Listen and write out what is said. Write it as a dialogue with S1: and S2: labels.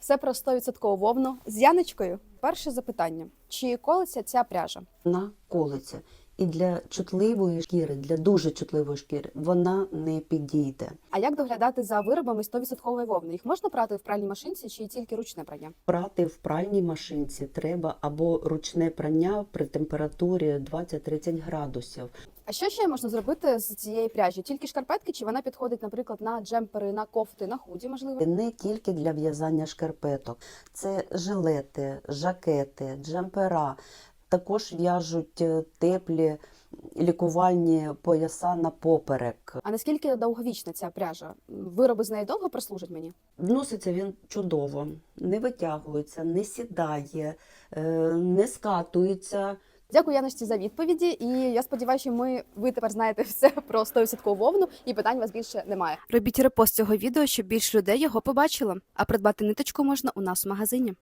S1: Все про 100% вовну з Яночкою. Перше запитання. Чи колиться ця пряжа?
S2: Вона колиться. І для чутливої шкіри, для дуже чутливої шкіри, вона не підійде.
S1: А як доглядати за виробами 100% вовни? Їх можна прати в пральній машинці чи тільки ручне прання?
S2: Прати в пральній машинці треба або ручне прання при температурі 20-30 градусів.
S1: А що ще можна зробити з цієї пряжі? Тільки шкарпетки, чи вона підходить, наприклад, на джемпери, на кофти, на худі, можливо?
S2: Не тільки для в'язання шкарпеток. Це жилети, жакети, джемпера. Також в'яжуть теплі лікувальні пояса на поперек.
S1: А наскільки довговічна ця пряжа? Вироби з неї довго прослужать мені?
S2: Носиться він чудово, не витягується, не сідає, не скатується.
S1: Дякую, Яночці, за відповіді. І я сподіваюся, що ви тепер знаєте все про 100% вовну і питань у вас більше немає. Робіть репост цього відео, щоб більше людей його побачило. А придбати ниточку можна у нас в магазині.